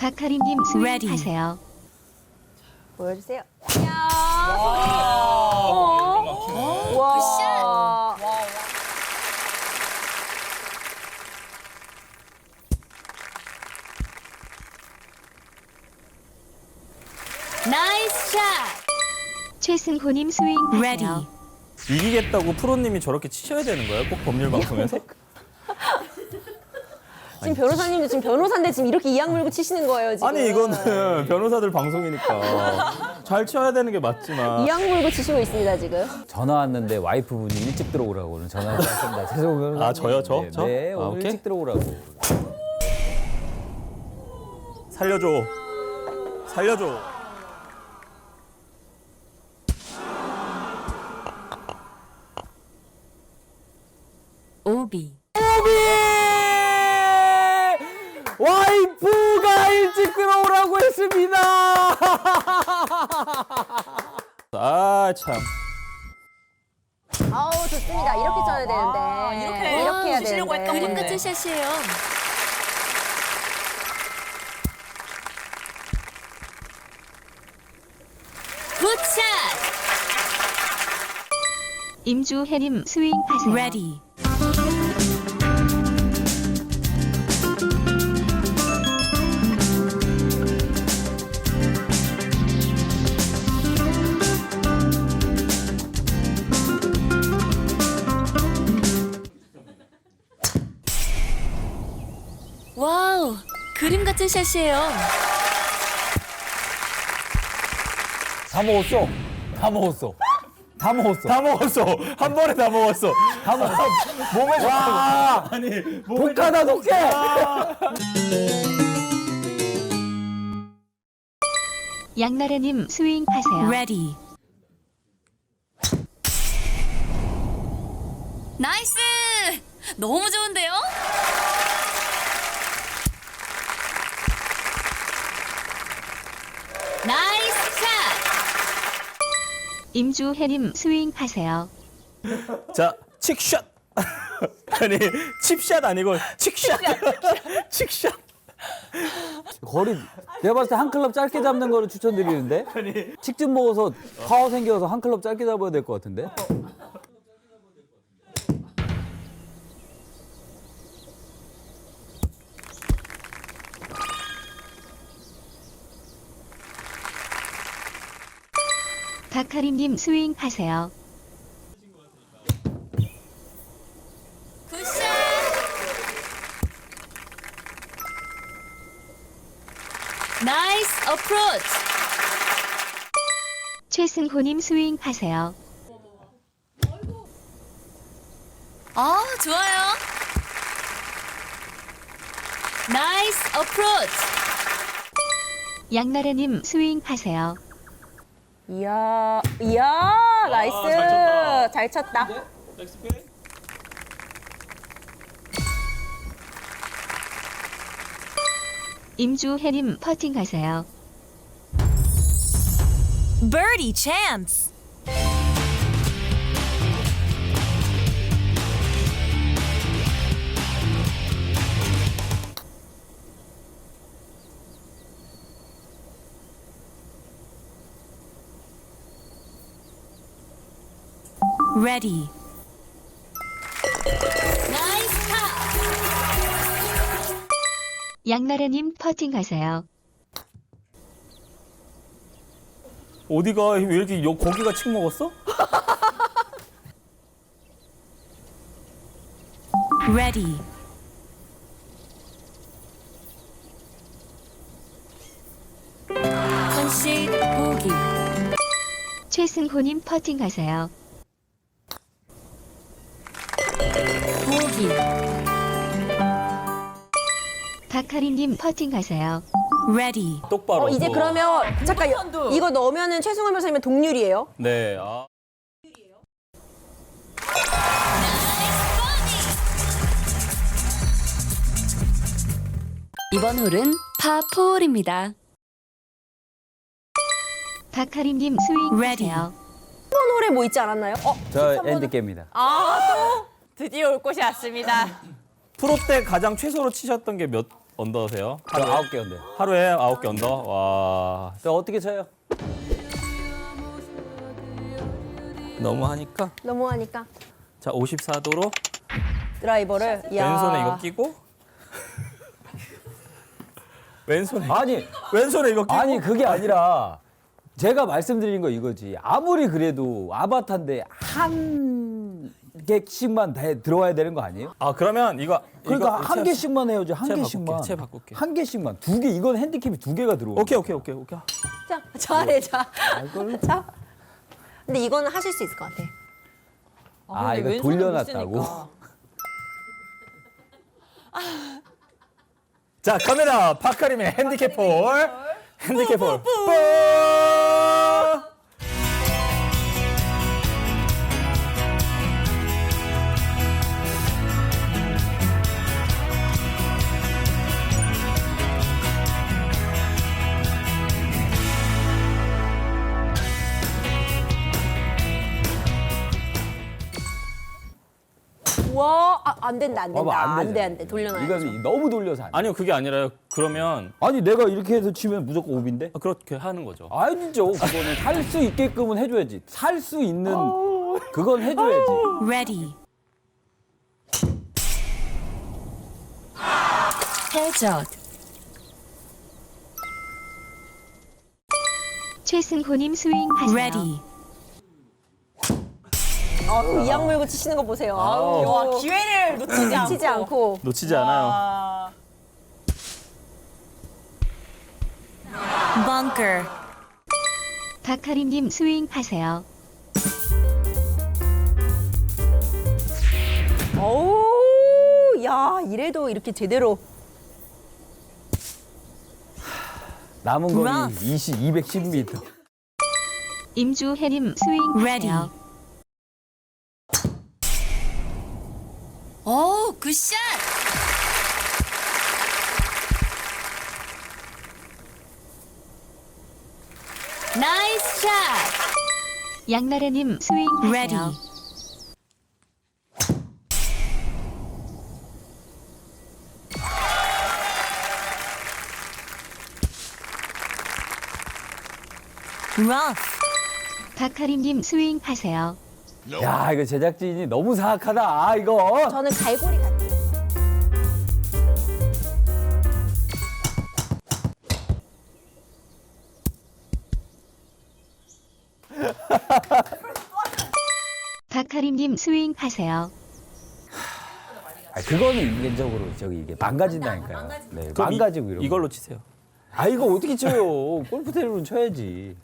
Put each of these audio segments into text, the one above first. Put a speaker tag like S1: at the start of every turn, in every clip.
S1: 박하림님 스윙 하세요.
S2: 보여주세요.
S3: 와.
S4: 나이스 샷.
S1: 최승호님 스윙 하세요.
S5: 이기겠다고 프로님이 저렇게 치셔야 되는 거예요? 꼭 법률 방송에서?
S2: 지금 변호사님도 지금 변호사인데 지금 이렇게 이악 물고 치시는 거예요, 지금.
S5: 아니 이거는 변호사들 방송이니까 잘 쳐야 되는 게 맞지만
S2: 이악 물고 치시고 있습니다, 지금.
S6: 전화 왔는데 와이프분이 일찍 들어오라고 오늘 전화 왔습니다. 죄송해요.
S5: 아, 저요? 저?
S6: 네,
S5: 저?
S6: 네,
S5: 아,
S6: 오늘
S5: 오케이.
S6: 일찍 들어오라고.
S5: 살려줘. 살려줘.
S4: 오비.
S6: 와이프가 일찍 들어오라고 했습니다.
S5: 아 참.
S2: 아우, 좋습니다. 이렇게 쳐야 되는데. 이렇게 해야
S3: 치시려고
S2: 되는데.
S3: 했던
S4: 그림
S3: 건데.
S4: 같은 샷이에요. 굿샷.
S1: 임주혜님 스윙 하세요.
S4: 레디. 와우, 그림 같은 샷이에요.
S6: 다 먹었어. 다 먹었어. 다 먹었어.
S5: 다 먹었어. 한 번에 다 먹었어.
S6: 다 먹었어.
S5: 몸에
S6: 와,
S5: 아니 몸에
S6: 독하다 독해.
S1: 양나래님 스윙 하세요.
S4: 레디. 나이스! 너무 좋은데요? 나이스 샷!
S1: 임주혜님 스윙 하세요.
S5: 자 칙샷. 아니 칩샷 아니고 칙샷. 칙샷.
S6: 거리 내가 봤을 때 한 클럽 짧게 잡는 거를 추천드리는데. 칙 좀 먹어서 파워 생겨서 한 클럽 짧게 잡아야 될 것 같은데.
S1: 박하림님 스윙 하세요.
S4: 굿샷! 나이스 어프로치!
S1: 최승호님 스윙 하세요.
S4: 아, 좋아요. 나이스 어프로치!
S1: 양나래님 스윙 하세요.
S2: 이야, 나이스. 잘 쳤다.
S1: 임주혜님 퍼팅 하세요.
S4: Birdie chance! Ready. 나이스 파!
S1: 양나래님 퍼팅 하세요.
S5: 어디가 왜 이렇게 고기가 칙 먹었어?
S4: Ready. 컨시드 보기.
S1: 최승호님 퍼팅 하세요.
S4: 보기.
S1: 박하림님 퍼팅 하세요.
S4: Ready.
S5: 똑바로.
S2: 이제 그러면 잠깐 이거 넣으면은 최승호 변호사님은 동률이에요?
S5: 네. 아.
S4: 이번 홀은 파4입니다.
S1: 박하림님 스윙
S4: Ready.
S1: 하세요.
S2: 이번 홀에 뭐 있지 않았나요?
S6: 저 엔드게임입니다.
S3: 드디어 올 곳이 왔습니다.
S5: 프로 때 가장 최소로 치셨던 게 몇 언더세요?
S6: 저 9개 언데.
S5: 하루에 9개 언더? 와,
S6: 저 어떻게 쳐요?
S5: 너무 하니까.
S2: 너무하니까
S5: 자, 54도로
S2: 드라이버를. 야.
S5: 왼손에 이거 끼고. 왼손에
S6: 아니,
S5: 왼손에 이거 끼고.
S6: 아니 그게 아니라 제가 말씀드린 거 이거지. 아무리 그래도 아바타인데 한 개씩만 다 들어와야 되는 거 아니에요?
S5: 아, 그러면 이거
S6: 그러니까
S5: 이거
S6: 한 개씩만 해야지. 한
S5: 채
S6: 개씩만.
S5: 바꿀게, 채 바꿀게.
S6: 한 개씩만. 2개. 이건 핸디캡이 2개가 들어오.
S5: 오케이.
S2: 자, 잘해, 자.
S6: 이걸-
S2: 자. 근데 이거는 하실 수 있을 것 같아.
S6: 아,
S3: 근데
S6: 이거
S3: 왼손을 못
S6: 돌려놨다고?
S3: 쓰니까.
S5: 자, 카메라 파카림의 핸디캡 볼. 핸디캡 볼. 볼.
S2: 와, 안 된다, 안 된다.
S6: 봐봐, 안
S2: 안 돼,
S6: 되잖아.
S2: 안 돼. 돌려놔야죠.
S6: 이건 너무 돌려서 안 돼.
S5: 아니요, 그게 아니라요. 그러면
S6: 아니 내가 이렇게 해서 치면 무조건 오비인데?
S5: 그렇게 하는 거죠.
S6: 아니죠. 그거는 살 수 있게끔은 해줘야지. 살 수 있는 그건 해줘야지.
S4: Ready. 해저.
S1: 최승호님 스윙하세요.
S4: Ready.
S2: 이악 물고 치시는 거 보세요.
S5: 아우.
S3: 와, 기회를 놓치지 않고.
S2: 치지 않고.
S5: 놓치지 않아요.
S3: 와.
S4: Bunker.
S1: 박하림님 스윙하세요.
S2: 어우, 야, 이래도 이렇게 제대로.
S6: 남은 거리
S4: Rough.
S6: 210m.
S1: 임주혜님
S4: Ready.
S1: 스윙하세요.
S4: 오, 굿샷. 나이스 샷.
S1: 양나래님 스윙하세요.
S4: Ready. Rough.
S1: 박하림님 스윙하세요.
S6: 야, 이거 제작진이 너무 사악하다. 아, 이거.
S2: 저는 갈고리 같아.
S1: 박하림님 스윙하세요.
S6: 아, 그거는 인간적으로 이게 망가진다니까요. 네,
S5: 그럼
S6: 망가지고 이런.
S5: 이걸로 치세요.
S6: 아, 이거 어떻게 쳐요? 골프테이블은 쳐야지.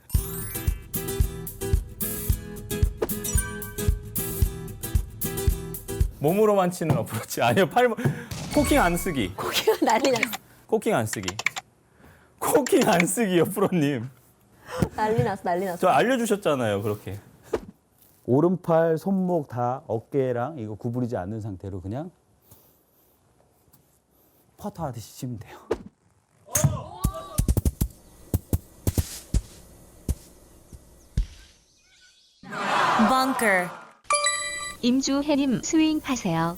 S5: 몸으로만 치는 어프로치. 아니요, 코킹 안 쓰기.
S2: 고기가 난리 났어.
S5: 코킹 안 쓰기. 코킹 안 쓰기요, 프로님.
S2: 난리 났어, 난리 났어.
S5: 저 알려주셨잖아요, 그렇게.
S6: 오른팔, 손목 다 어깨랑 이거 구부리지 않는 상태로 그냥 퍼터 하듯이 치면 돼요.
S4: Bunker.
S1: 임주혜님 스윙하세요.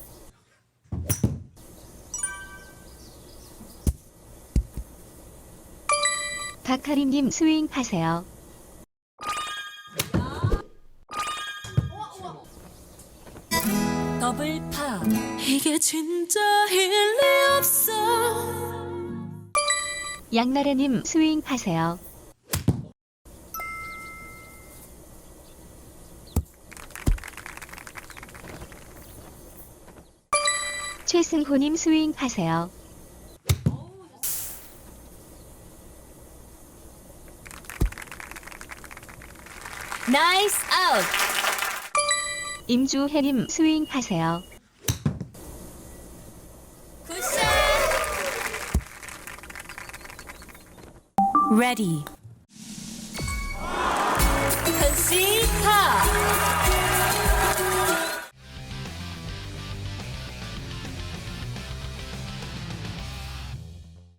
S1: 박하림님 스윙하세요.
S4: 더블 파. 이게 진짜 일리 없어.
S1: 양나래님 스윙하세요. 최승호님 스윙하세요.
S4: 나이스 아웃.
S1: 임주혜님 스윙하세요.
S4: 굿샷. Ready. 컨시파.